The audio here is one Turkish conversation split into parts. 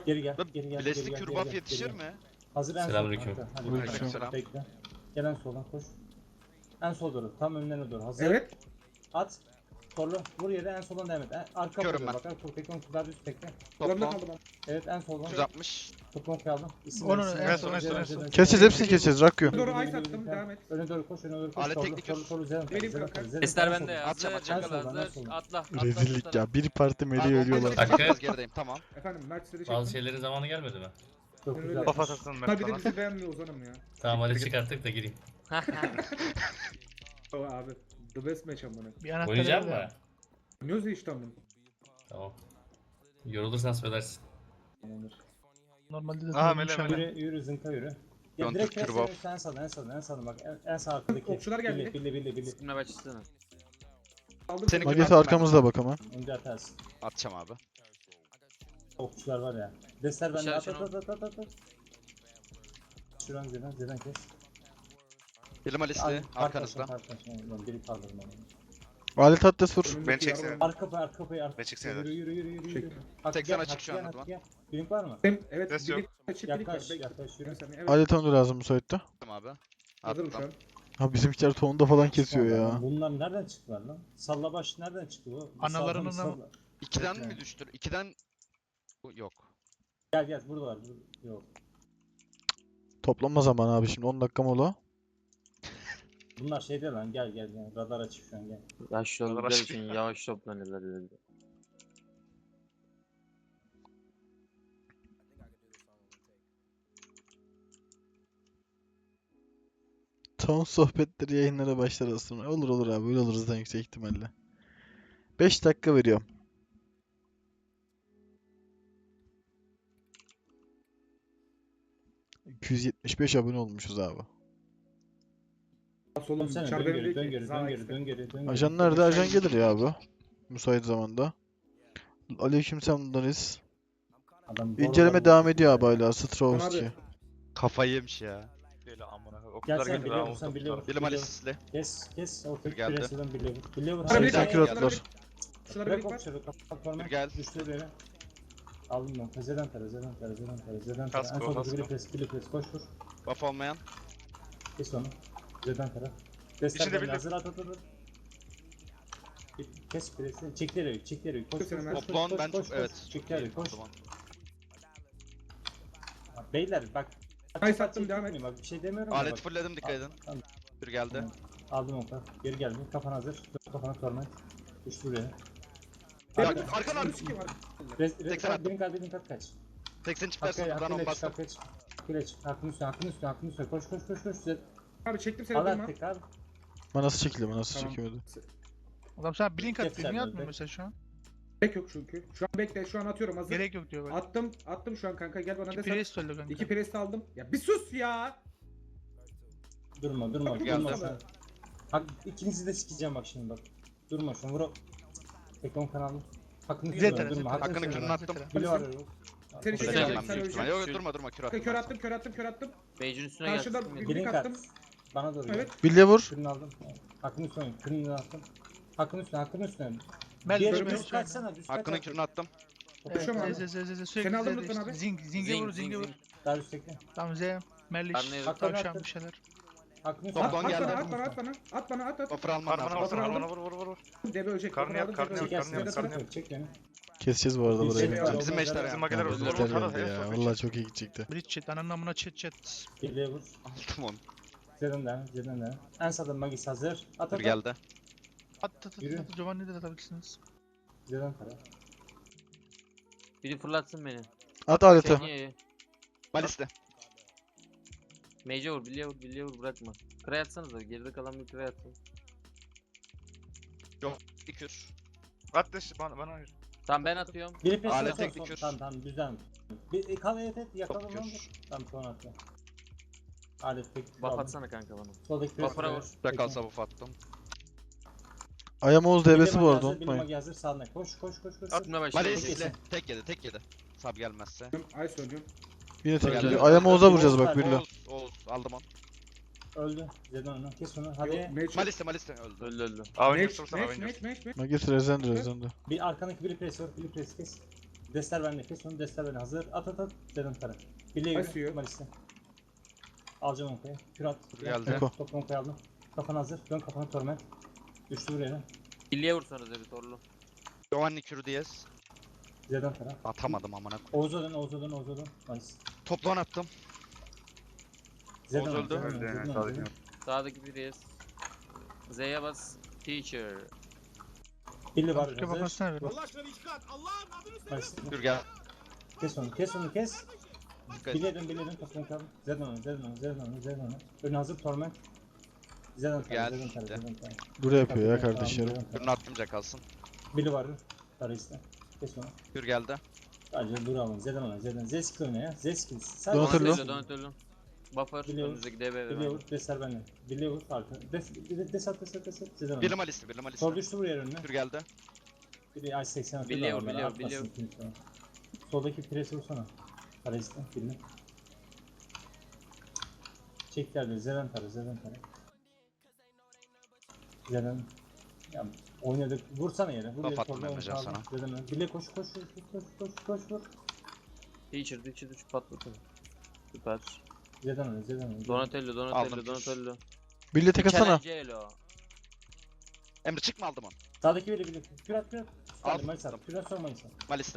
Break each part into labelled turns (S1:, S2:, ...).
S1: Geri gel, geri gel.
S2: Bilesli
S1: geri gel,
S2: kürbaf
S1: geri gel,
S2: yetişir
S1: geri gel.
S2: mi?
S1: Hazır en sol
S3: Selamünaleyküm.
S1: kanka. Hadi
S4: Aleyküm
S2: selam.
S1: bekle. Gel en soldan koş. En sol doğru, tam önlerine doğru. Hazır.
S4: Evet.
S1: At. Torlu. Vur yere en soldan devam et. Arka
S2: Körüm
S1: vuruyor
S2: ben.
S1: bak. Kur tekrar kadar düz tekle.
S4: Zorunda
S2: Toplam
S4: kaldım ama.
S1: Evet en soldan.
S2: 160.
S1: Toplam aldım. İsim
S5: Onu
S1: ver, isim
S5: en
S1: ver.
S5: son, en
S1: Zeren,
S5: son, en
S1: Zeren,
S5: son.
S1: Zeren.
S6: Keseceğiz, hepsini keseceğiz. Rakıyor.
S4: Doğru ice attım, devam et.
S1: Öne doğru koş, öne doğru koş.
S2: Alet
S1: Torlu,
S2: teknik
S1: torlu,
S2: kür.
S1: torlu, Zeren.
S4: Vereyim
S1: Zeren,
S4: kanka.
S1: Zeren,
S7: Ester
S1: en
S7: bende
S1: soldan.
S7: ya.
S2: Atacağım,
S7: Hazır,
S2: atacağım.
S7: Çakal
S1: En soldan, en
S7: hazır.
S1: soldan.
S7: Atla.
S6: Rezillik ya. Bir parti meleği ölüyorlar.
S2: Kanka.
S3: Kanka.
S2: Gerideyim tamam.
S4: Efendim Mert'leri
S3: Bazı
S4: çektim.
S3: şeylerin zamanı gelmedi mi?
S1: Çok
S4: Öyle.
S1: güzel.
S5: Kafa taksın
S4: Ha
S5: Mert
S4: bir de
S5: bana.
S4: bizi beğenmiyor Ozan'ım ya.
S3: Tamam hadi çıkarttık da gireyim.
S4: O abi. The best match amına.
S5: Bir anahtar
S3: Oynayacak
S5: ver
S3: mı?
S5: ya.
S4: Oynuyoruz ya işte amına.
S3: Tamam. Yorulursan söylersin.
S5: Normalde de
S7: Aha,
S5: tanımış
S7: mele,
S5: ama.
S1: Yürü, yürü zınka yürü. Ya
S2: Dön
S1: direkt
S2: Türk
S1: kes,
S2: kürbaf.
S1: en sağdan, en sağdan, en sağdan bak. En sağ arkadaki.
S4: Okçular geldi.
S1: Billi.
S7: Üstüne başlasana.
S4: Aldım
S2: Seni
S4: seni.
S6: Magesi arkamızda bak ama.
S1: Önce atarsın.
S2: Atacağım abi.
S1: Okçular var ya. Destler bende. At
S7: İşaret
S1: at at at at. Şuran Zeden kes.
S2: Bilim Alice'li arkanızda.
S1: Arkanızda. Biri kaldırın onu.
S6: Alet Atlas vur.
S4: Önümdeki
S7: Ben çeksene.
S4: yarım-
S1: Arka payı.
S7: Ben çeksene.
S1: Yürü.
S4: Çektim.
S1: Hak
S2: 80
S1: gel,
S2: açık
S1: hak
S2: şu an
S1: gel,
S2: adıma.
S1: hak gel. Blink var mı?
S4: Evet.
S7: Ses
S4: bir
S7: yok.
S4: çiftlik var.
S1: Yaklaş
S4: Bekle.
S1: yaklaş yürü.
S4: Bir saniye, evet.
S6: Alet onu lazım müsaitte.
S2: Attım abi.
S4: Hazırım şu an.
S2: Attım.
S6: Ha bizimkiler tonda falan kesiyor ya.
S1: Bunlar nereden çıktılar lan? Sallabaş nereden çıktı bu?
S5: Analarının
S1: Sağdan-
S5: ama-
S2: 2'den
S1: Bekle.
S2: mi düştü? 2'den yok.
S1: Gel buradalar. Yok.
S6: Toplanma zamanı abi şimdi 10 dakika mola.
S1: Bunlar şeyde lan gel. Radar açık şu an gel.
S7: Yaşlı oldukları için yavaş toplanırlar dedi.
S6: Ton sohbetleri yayınlara başlar aslında. Olur abi öyle olur zaten yüksek ihtimalle. 5 dakika veriyorum. ...275 abone olmuşuz abi.
S4: Solum
S1: Dönsene
S4: dışarıda
S1: dön
S4: önündeki.
S1: geri.
S6: Ajan nerede? Ajan gelir ya abi. Müsait zamanda. Aleykümselam Deniz.
S1: Adam
S6: İnceleme
S1: borular
S6: devam
S1: bulmuş
S6: ediyor
S1: ya.
S6: abi hala. Strovski.
S4: Abi.
S2: Kafayı yemiş ya.
S7: Böyle amına.
S1: Gel
S7: Okullar
S1: sen
S7: geldi
S1: biliyor
S7: daha
S1: musun? Biliyor
S2: Bilim Alice'li.
S1: Kes. Ortaya
S2: Geldi.
S1: küresiden biliyor. Biliyor.
S4: Şurada
S1: Hadi
S4: bir
S6: Sen
S1: gel.
S4: tane
S6: kür
S4: var.
S6: atlar.
S4: Şurada
S1: Bırak
S4: bir var.
S1: okçuları kapat forma.
S2: Bir gel.
S1: Düştü beni. Aldım ben. Zeden tara. En
S7: Kasko,
S1: son
S7: kasko.
S1: bili pres koş vur.
S2: Buff olmayan.
S1: Kes onu. Zeden tara. Destek
S7: İçinde
S1: bende
S7: bildim.
S1: hazır at. Kes presi. Çekleri. Koş.
S2: Toplan ben çok evet.
S1: Çekleri koş.
S2: Tamam.
S1: Beyler bak.
S4: Ay sattım, devam et.
S1: Bak bir şey demiyorum. da
S2: Alet
S1: bak.
S2: fullledim dikkat edin.
S1: Tamam.
S2: Bir geldi.
S1: Tamam. Aldım onu. Geri geldi. Kafan hazır. Kafana torment. Düştü buraya.
S2: Arkan.
S4: Sikim var.
S2: 80 attım.
S1: Benim kat kaç.
S2: 80 çiftlersin buradan 10 bastım.
S1: Kileç. Hakkın üstüne. Koş.
S4: Abi çektim seni
S1: Al
S4: durma.
S1: artık abi.
S6: Manası çekildi, manası
S4: Tamam.
S6: çekemedi.
S5: Adam sana blink attı.
S1: Defter
S5: Niye
S1: bende.
S5: atmıyor mesela şu an?
S4: Gerek yok çünkü. Şu an bekle. Şu an atıyorum hazır.
S5: Gerek yok diyor bak.
S4: Attım şu an kanka. Gel bana
S5: İki
S4: de
S5: priest öldü kanka.
S4: 2 presti aldım. Ya bir sus ya.
S1: Durma.
S2: Geldi.
S1: şu an. Hak, ikinizi de sikeceğim bak şimdi bak. Durma şu an vur. Tekon kanalı. Hakkını
S5: Güzel
S1: kırma,
S5: tane,
S1: durma.
S5: güzel
S2: Hakkını
S1: Hakkını
S2: kırın
S1: kırma.
S2: attım.
S1: Bili var yok.
S4: Seni
S1: Koş.
S4: çekeceğim.
S2: Öleceğim
S4: Sen
S2: büyük ihtimal.
S4: öleceksin.
S2: Yok durma kür
S4: Kör
S2: atma.
S4: attım.
S7: Beycin üstüne
S4: Karşıda
S7: gelsin.
S4: bir-
S1: Blink
S4: attım.
S1: at. Bana doğru.
S4: Evet.
S6: Bilye vur.
S1: Kırını aldım. Hakkını üstüne. Kırını attım. Hakkını üstüne.
S5: Mel
S1: Bir yere
S4: körüm
S1: düz
S4: yok.
S1: kaçsana. Düz
S2: Hakkını
S1: kaç.
S2: kürünü attım.
S4: Okuşam abi.
S5: Sürekli
S4: Seni aldım
S5: zede
S4: lütfen
S5: işte.
S4: abi.
S5: Zinge vur, zinge vur.
S1: Daha üstteki.
S5: Tamam Z. Merliş.
S7: Karnıyı
S1: Hakkını
S5: Tavşan
S1: attım.
S5: bir şeyler.
S1: Hakkını
S2: Toplan
S4: At
S2: geldi.
S4: bana. At bana.
S2: Buffer alman
S7: Karnına
S2: lazım.
S7: vur, vur.
S4: Debe ölecek.
S7: Karnı yap,
S4: Aldım,
S7: karnı
S4: debe
S7: yap,
S4: ölecek.
S7: karnı yap,
S4: Zede
S7: karnı
S4: tarafı.
S7: yap.
S1: Çek beni.
S6: Keseceğiz bu arada burayı.
S1: Bizim
S2: Bizim meşler ya.
S7: Mageler öldü.
S6: Bizler
S7: Oğlum,
S6: öldü ya.
S7: hadi,
S6: Vallahi çok iyi gidecekti.
S5: Bridge chat. Ananın amına chat.
S1: Birliğe vur.
S2: Aldım onu.
S1: Zeden de. En sağda Magis hazır. At.
S2: Bir geldi.
S5: At.
S1: Yürü.
S5: Giovanni'yi de atabilirsiniz.
S1: Zeden tara.
S7: Biri fırlatsın beni.
S6: At aleti.
S7: Niye?
S2: Malis'te.
S7: Mage'e vur, bilye vur bırakma. Kray atsanıza. Geride kalan bir kray atsın.
S2: Bir kür.
S7: At deş bana hayır. Tamam ben atıyorum.
S1: Biri pes
S2: Alet
S1: son,
S2: teknik
S1: son.
S2: kür.
S1: Tamam düzen. Bir kal et yakalım
S2: Top
S1: lan.
S2: kür.
S1: Tamam sonra atla. Alet teknik.
S7: Buff
S1: aldım.
S7: atsana kanka bana.
S1: Soldaki pres.
S7: Buff'ına vur.
S2: Rakalsa buff attım.
S6: Ayamoğuz DB'si bu arada
S1: Bilim
S6: unutmayın.
S1: Magi hazır sağına. Koş.
S7: Atmaya başla.
S2: Malis'le. Tek yedi. Sab gelmezse.
S4: Ay söylüyorum.
S6: Yine tek
S2: Geldi.
S6: geliyor. Ayamoğuz'a vuracağız bak
S1: Oğuz
S6: birle.
S2: Oğuz aldım onu.
S1: Öldü. Zeden onu. Kes onu. Hadi.
S2: Malis'te öldü.
S7: Öldü.
S4: Meç.
S6: Magis rezende.
S1: Bir arkandaki biri pres var. Biri pres kes. Destler bende. Kes onu. Destler bende. Hazır. At at at. Dedim para. Bileği
S4: Basıyor.
S1: yürü. Malis'te. Alacağım onkaya. Kür at.
S2: Geldi.
S1: Top onkaya aldım. Kafan hazır. Dön kafana torment. Düştü buraya.
S7: Billy'e vursanız bir torlu.
S2: Giovanni Kürü Diyez.
S1: Z'den para.
S2: Atamadım amına.
S1: Oğuz'a dön. Oğuz'a dön. Oğuz'a dön. Malis.
S2: Toplan attım.
S1: Z'den
S2: Oğuz
S1: dön,
S2: öldü.
S1: Z'den dön,
S8: Öldü yani,
S1: Z'den
S8: sağdaki.
S1: dön.
S7: Sağdaki Priest. Z'ye bas. Teacher.
S1: Billy var.
S5: Türkiye
S1: Hazır.
S5: bakmasına ver.
S1: Malis.
S2: Kür gel.
S1: Kes onu. Kes onu. Kes.
S2: Dikkat et.
S1: Bileğden top onkaya aldım. Z'den onu. Z'den onu. Z'den onu. Z'den onu. Ön hazır torment. Z'den para.
S2: Gel.
S1: Z'den para. Z'den para.
S6: Buraya yapıyor ya kardeşlerim.
S2: Kürünü attım kalsın.
S1: Billy var. Para iste. Kes onu.
S2: Kür geldi.
S1: Sadece dur alın. Z'den ona. Z'den. Z skill oyna ya. Z skill.
S6: Donatello.
S7: Donatello. Buffer.
S1: Biliyorum.
S7: Önümüzdeki DB
S1: Billy
S7: ve
S1: vur. Desler bende. Billy vur. Arka. Desat. Z'den ona.
S2: Birli Malis'te. Birli Malis'te.
S1: Sol düştü buraya önüne.
S2: Kür geldi.
S1: Billy ay 80 atıyor.
S7: Billy
S1: da
S7: vur,
S1: var,
S7: Billy vur,
S1: atmasın
S7: Billy vur.
S1: kimse. Soldaki presi vursana. Para iste. Billy. Çekler de. Z'den para. Z'den para. Z'den. Ya oynadık. Vursana yere. Vur
S2: Laf
S1: yere.
S2: attım
S1: Solda
S2: Emrecan
S1: onu kaldır.
S2: sana.
S1: Z'den öne. Billy koş koş koş vur.
S7: Teacher 3 patlatın. Süper.
S1: Z'den öne. Z'den öne.
S7: Donatello.
S2: Aldım.
S6: Billy tek atsana.
S7: Michelangelo.
S2: Emre çıkma aldım onu.
S1: Sağdaki Billy. Kür at.
S2: Al.
S1: Malis at. Kür at sonra Malis at.
S2: Malis'te.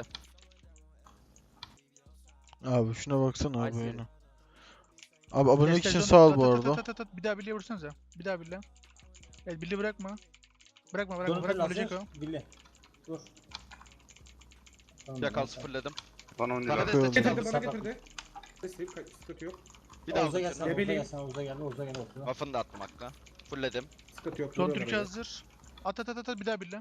S6: Abi şuna baksana abi
S7: Ay,
S6: oyuna. Abi abonelik
S5: Destek
S6: için
S5: dön,
S6: sağ ol
S5: tat,
S6: bu
S5: tat,
S6: arada.
S5: tat, tat, tat. Bir daha Billy'e vursanıza. Bir daha Billy. Evet Billy bırakma. Bırakma
S1: Donatello
S5: ölecek o.
S1: hazır. Billy. Vur. Tamam,
S2: Yakal
S1: Malis at.
S2: sıfırladım.
S8: Bana 10
S2: Sana
S8: lira.
S2: destek
S4: Getirdi
S2: çıktı.
S4: bana
S1: Sapat.
S4: getirdi. Destek sıkıntı yok.
S2: Bir daha
S1: Oğuz'a
S2: aldım.
S1: gelsene.
S2: kürünü.
S1: Oğuz'a
S4: Ebeleyim.
S1: gelsene. Oğuz'a gel. Ortada.
S2: Buff'ını da attım hakkı. Fullledim.
S4: Sıkıntı yok.
S5: Son
S4: vuruyor
S5: Türkiye
S4: oraya.
S5: hazır. At at at at bir daha Billy.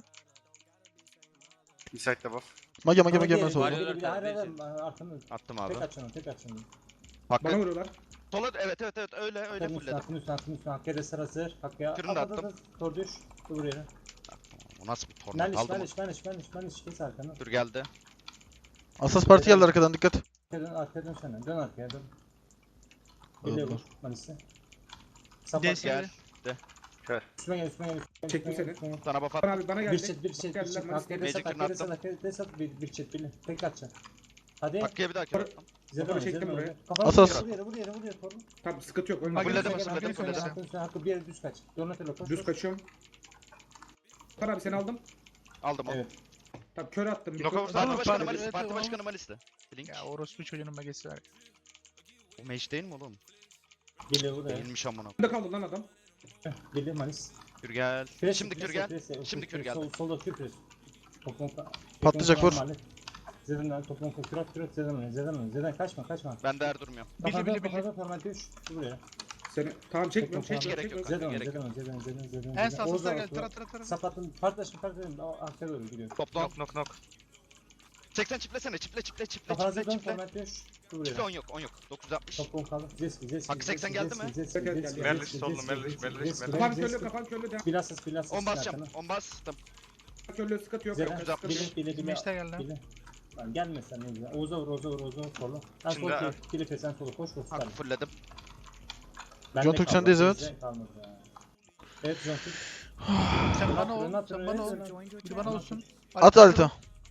S8: Inside'de buff.
S6: Mage
S1: Ama
S6: hemen
S1: diğeri,
S6: sol.
S7: Mario-
S1: Billy, hayır arkanı.
S2: Attım abi.
S1: Tek aç onu. Tek aç onu.
S2: Hakkı.
S4: Bana vuruyorlar.
S2: Sola evet öyle
S1: Hakkı'nın
S2: fullledim.
S1: üstüne. Hakkı'ya da sıra hazır. Hakkı'ya.
S2: Kürünü de
S1: At,
S2: attım.
S1: Tor düş. Dur yere.
S2: Bu nasıl bir tornat aldım onu.
S1: Maniş. Kes arkanı.
S2: Kür geldi.
S6: Asas parti geldi arkadan dikkat.
S1: Arkaya dön sen. Dön arkaya dön. Billy vur. Maniş'e. Sapat
S5: Des
S1: gel.
S2: Gel.
S1: Üstüme gel.
S4: Çektim seni.
S1: Üstüme gel.
S2: Sana buff
S4: Bana
S2: attım.
S4: abi bana
S1: Bir
S4: geldi.
S1: çet.
S4: Geldiler, Malis
S1: Hakkı'ya
S2: Magic
S1: desat.
S2: attım.
S1: Desat. Bir çet Billy. Tek atacaksın. Hadi.
S2: Hakkı'ya bir daha kür attım.
S1: Zedon
S4: çektim buraya.
S6: Asas.
S1: Vur yere. Torun.
S4: Tamam sıkıntı yok. Ölme.
S5: Bak,
S2: Fulledim,
S5: Fulledim,
S2: fulledim,
S5: fulledim.
S2: fulledim.
S1: Hakkı bir yere düz kaç. Donatello koş.
S4: Düz kaçıyorum. Bana abi seni aldım.
S2: Aldım onu.
S1: Evet.
S4: Tamam kör attım.
S8: Knockout
S2: Parti
S5: Tamam,
S2: başkanı
S5: parti-
S2: Malis'te.
S5: evet,
S2: Parti
S5: tamam.
S2: başkanı Malis'te. Blink.
S5: Ya orospu çocuğunun magesi var.
S2: O mage değil mi oğlum?
S1: Billy vur ya.
S2: Değilmiş amına.
S4: Bunda kaldı lan adam.
S1: Billy Manis.
S2: Kür gel.
S1: Pres,
S2: Şimdi
S1: pres,
S2: kür gel.
S1: pres, pres,
S2: Şimdi
S1: pres,
S2: kür geldi.
S1: Solda kür pres. Toplum
S6: Patlayacak, vur.
S1: Zeden toplum kür at Zeden kaçma.
S2: Ben de her durmuyorum.
S5: Billy.
S1: Kafada format düş. Buraya.
S4: Seni tamam çekmiyorum.
S1: Hiç
S2: gerek yok.
S1: Zeden
S2: Gerek yok.
S1: Zeden.
S5: En sağ soslar geldi. Tara.
S1: Sapatın partlaşın arkaya doğru gidiyor.
S2: Toplam.
S8: Knock.
S2: 80 çiplesene. Çiple.
S1: Kafanıza dön format düş.
S2: Çiple
S1: Buraya.
S2: 10 yok. 960.
S1: Toplum kaldı. Zeski.
S2: Hakkı 80 geldi mi?
S8: Merliş sollu, Merliş.
S4: Kafan körlü de.
S1: Bilasız.
S2: 10 basacağım. 10 bastım.
S4: Körlü sıkıntı yok.
S1: Zeden.
S2: 960.
S1: Billy.
S5: Meşte geldi.
S1: Billy. Lan gelmesen ne güzel. Oğuz'a vur solu. Ben
S8: Şimdi
S1: sol
S8: abi.
S1: Filip'e sen solu koş.
S2: Hakkı fullledim.
S6: John Türk sendeyiz, evet.
S1: Evet John Türk.
S5: Sen bana
S1: Ön
S5: ol.
S1: at,
S5: Sen
S1: ön
S5: bana
S1: at,
S5: ol.
S1: ön at.
S5: Bir bana olsun.
S6: At alta.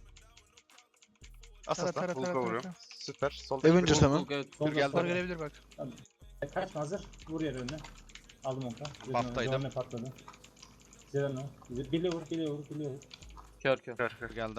S8: Asas'tan Hulk'a vuruyorum. Süper. Sol.
S6: Avengers hemen.
S2: Kür geldi.
S5: Var gelebilir bak.
S1: Kaçma hazır. Vur yere önüne. Aldım onka.
S2: Baftaydım.
S1: Zorne patladı. Zerano. Billy vur.
S7: Kör.
S2: Kür geldi.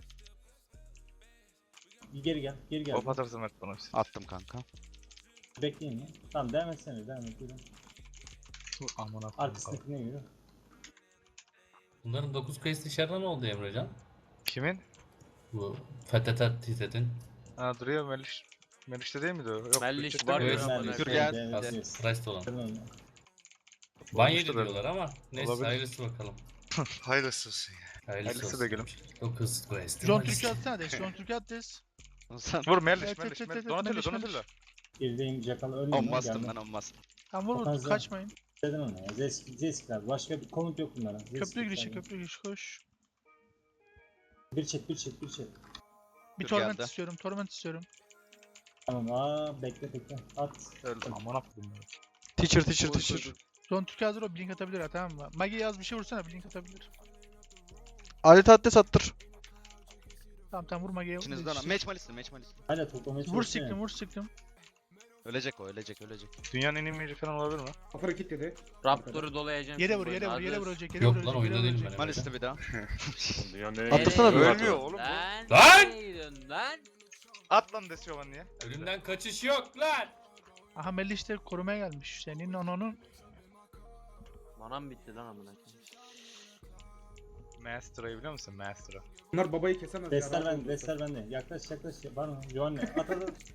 S1: Geri gel.
S8: Hop atarsın Mert bana.
S2: Attım kanka.
S1: Bekleyin ya. Tamam devam etsene. Yürü.
S8: Aman
S1: Arkasındakine yürü.
S3: Bunların 9 quest dışarıda ne oldu Emrecan?
S8: Kimin?
S3: Bu Fethet'e titredin.
S8: Ha duruyor Meliş. Meliş'te değil miydi o? Yok.
S7: Melliş
S8: Bütçede
S7: var
S8: miydi?
S3: Evet.
S7: ya.
S2: Kür gel.
S3: Price'da olan.
S8: Olmuştur
S3: Ban yedi
S8: herhalde.
S3: diyorlar ama neyse
S8: Olabilir.
S3: hayırlısı bakalım.
S8: Hayırlısı olsun ya.
S3: Hayırlısı
S8: Hayırlısı da gülüm.
S3: 9 quest.
S5: John Türkiye atsana des. John Türkiye at des.
S2: Sen
S8: Vur Meliş,
S5: Evet,
S8: Meliş,
S5: evet,
S8: Meliş.
S5: evet,
S8: Donatello,
S5: Meliş,
S8: Donatello.
S1: Gerideyim Jackal ölmüyor.
S2: 10 bastım ben 10 bastım.
S5: Tamam vur
S1: Kafanıza-
S5: kaçmayın.
S1: Zeden onu ya. Zeski abi. Başka bir komut yok bunlara.
S5: Köprü girişi koş.
S1: Bir çek.
S5: Bir
S2: Dur,
S5: torment
S2: geldi.
S5: istiyorum. Torment istiyorum.
S1: Tamam bekle. At.
S8: Öldüm. Aman akıllım.
S6: Teacher.
S5: John Türkiye hazır o blink atabilir ha tamam mı? Magi yaz bir şey vursana blink atabilir.
S6: Alet adres attır.
S5: Tamam vurma gel.
S2: İçinizden match malisi.
S1: Hala toplamaya
S5: Vur
S1: çalışıyor.
S5: siktim vur siktim.
S2: Ölecek o, ölecek.
S8: Dünyanın en iyi mage falan olabilir mi?
S4: Kapıra kit dedi.
S7: Raptor'u dolayacağım.
S5: Yere
S7: şimdi
S5: vur
S7: böyle.
S5: yere
S7: Hazır.
S5: vuracak yere
S3: Yok
S5: vuracak.
S3: lan oyunda
S5: yere
S3: değilim
S5: vuracak.
S3: ben.
S2: Malisi bir daha.
S6: Atlasana bir.
S8: Ölmüyor oğlum bu.
S7: Lan!
S3: Lan!
S7: Nereye gidiyorsun lan?
S8: At lan Desyovan niye?
S3: Ölümden kaçış yok lan.
S5: Aha Melih işte korumaya gelmiş. Senin onun.
S7: Manam bitti lan amına.
S8: Master'ı biliyor musun? Master'ı.
S4: Bunlar babayı kesemez ya.
S1: Destler
S4: rahat
S1: bende,
S4: olun.
S1: destler bende. Yaklaş. Var mı? Yohanne. At.